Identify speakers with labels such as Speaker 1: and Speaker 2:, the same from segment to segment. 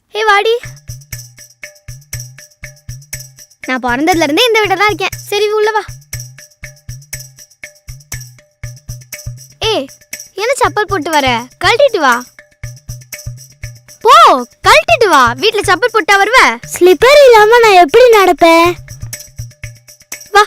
Speaker 1: ஹே வாடி. நான் பிறந்ததுல இருந்தே இந்த வீட்டில் தான் இருக்கேன். சரி உள்ள வா. ஏய் என்ன செப்பல் போட்டு வர? கழட்டிட்டு வா. போ கழட்டிட்டு வா. வீட்டில் செப்பல் போட்டா வருவ?
Speaker 2: ஸ்லிப்பர் இல்லாம நான் எப்படி நடப்பேன்?
Speaker 1: வா.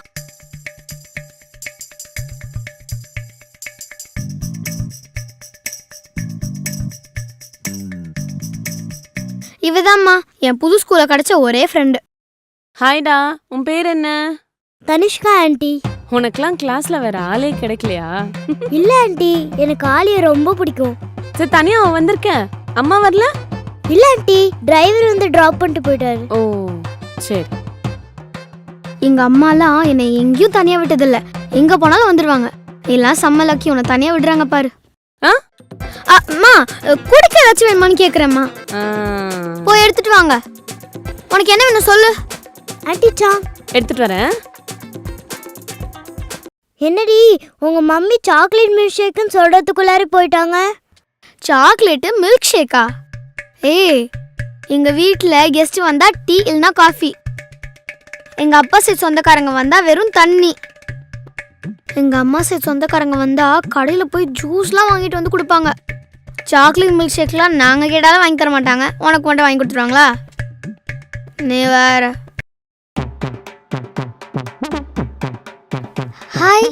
Speaker 1: இவதாம்மா என் புது ஸ்கூல்ல கிடைச்ச ஒரே ஃப்ரெண்டு.
Speaker 3: ஹாய்டா, உன் பேர் என்ன?
Speaker 2: தனிஷ்கா ஆண்டி.
Speaker 3: உனக்கெல்லாம் கிளாஸ்ல வேற ஆளே கிடைக்கலையா?
Speaker 2: இல்ல ஆண்டி, எனக்கு ஆலியை ரொம்ப பிடிக்கும்.
Speaker 3: சரி, தனியா அவன் வந்திருக்க. அம்மா வரல?
Speaker 2: இல்ல ஆண்டி, டிரைவர் வந்து டிராப் பண்ணிட்டு போயிட்டாரு.
Speaker 3: ஓ சரி.
Speaker 1: எங்க அம்மாலாம் என்னை எங்கேயும் தனியா விட்டதில்ல. எங்க போனாலும் வந்துருவாங்க. எல்லாம் செம்ம லக்கி, உன்னை தனியா விடுறாங்க பாரு. அம்மா குடிக்க ஏதாச்சும் வேணுமான்னு கேக்குறேம்மா. போய் எடுத்துட்டு வாங்க. உனக்கு என்ன வேணும் சொல்லு.
Speaker 2: ஆண்டி சா
Speaker 3: எடுத்துட்டு வரேன்.
Speaker 2: என்னடி உங்க மம்மி சாக்லேட் மில்க் ஷேக்குன்னு சொல்றதுக்குள்ளாரி போயிட்டாங்க.
Speaker 1: சாக்லேட்டு மில்க் ஷேக்கா? ஏய் எங்க வீட்டில் கெஸ்ட் வந்தா டீ இல்லைனா காஃபி. எங்க அப்பா சைட் சொந்தக்காரங்க வந்தா வெறும் தண்ணி. எங்க அம்மா சைட் சொந்தக்காரங்க வந்தா கடையில் போய் ஜூஸ்லாம் வாங்கிட்டு வந்து கொடுப்பாங்க. சாக்லேட் மில்க் ஷேக்லாம் நாங்கள் கேட்டாலும் வாங்கி தர மாட்டாங்க. உனக்கு மட்டும் வாங்கி கொடுத்துருவாங்களா? நீ வேற.
Speaker 2: ஹாய்.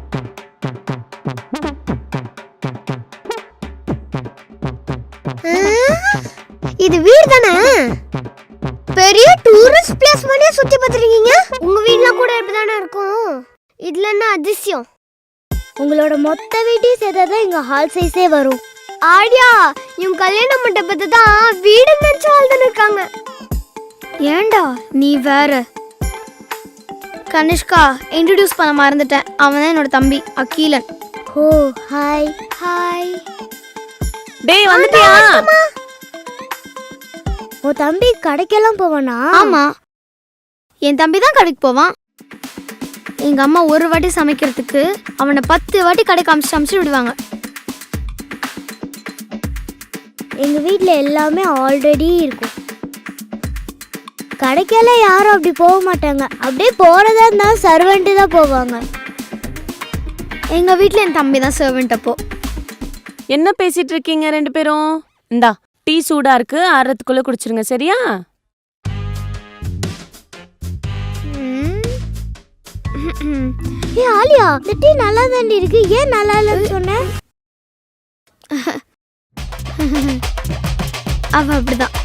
Speaker 2: இது வீடு தானே? பெரிய டூரிஸ்ட் பிளேஸ் மாதிரியே சுத்தி பார்த்துருக்கீங்க. உங்க வீட்ல கூட இப்படிதானே இருக்கும். இதுல என்ன அதிசயம்? உங்களோட மொத்த வீட்டையும் சேர்த்தாதான் எங்க ஹால் சைஸே வரும். ஆடியா, இவங்க கல்யாண மண்டபத்தை தான் வீடு நினைச்சு வாழ்ந்துன்னு இருக்காங்க.
Speaker 1: ஏண்டா நீ வேற. கனிஷ்கா இன்ட்ரடியூஸ் பண்ண மறந்துட்டேன். அவன் தான் என்னோட தம்பி அகிலன்.
Speaker 2: ஓ ஹாய். ஹாய்.
Speaker 3: டேய் வந்துட்டியா?
Speaker 2: உன் தம்பி கடைக்கெல்லாம் போவானா?
Speaker 1: ஆமா, என் தம்பி தான் கடைக்கு போவான். எங்க அம்மா ஒரு வாட்டி சமைக்கிறதுக்கு அவனை 10 வாட்டி கடைக்கு அமிச்சு விடுவாங்க.
Speaker 2: எங்க வீட்ல எல்லாமே ஆல்ரெடி இருக்கும். கடைக்கெல்லாம் யாரும் அப்படி போக மாட்டாங்க. அப்படியே போறதா இருந்தா சர்வெண்ட் தான் போவாங்க.
Speaker 1: எங்க வீட்ல என் தம்பி தான் சர்வெண்ட். அப்போ
Speaker 3: என்ன பேசிட்டு இருக்கீங்க ரெண்டு பேரும்? இந்தா டீ சூடா இருக்கு, ஆறதுக்குள்ள குடிச்சிருங்க சரியா?
Speaker 2: ஏ ஆலியா, இந்த டீ நல்லா தாண்டி இருக்கு. ஏன் நல்லா இல்லைன்னு சொன்ன?
Speaker 1: அவ அப்படிதான்.